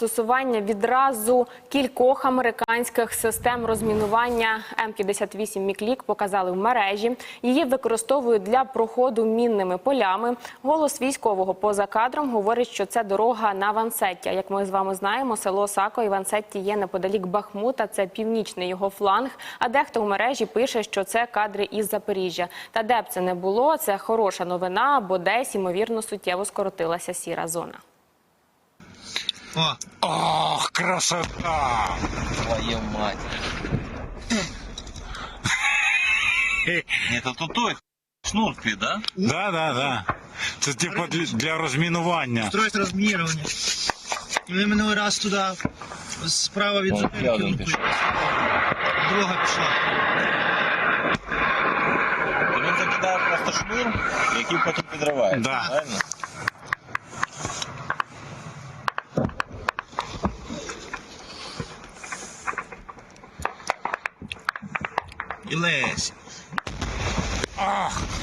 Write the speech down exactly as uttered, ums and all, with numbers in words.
застосування відразу кількох американських систем розмінування М п'ятдесят вісім Міклік показали в мережі. Її використовують для проходу мінними полями. Голос військового поза кадром говорить, що це дорога на Вансеття. Як ми з вами знаємо, село Сако і Вансетті є неподалік Бахмута, це північний його фланг. А дехто в мережі пише, що це кадри із Запоріжжя. Та де б це не було, це хороша новина, бо десь, ймовірно, суттєво скоротилася сіра зона. О! Ох, красота! Твою мать! Это тут той шнурки, да? Да, да, да. Це типу для, для розмінування. Строить розмінування. І ми минулий раз туди справа від зупинки. Друга пішла. То він закидає просто шнур, який потім підривається, Да. правильно? І лезь. Ах!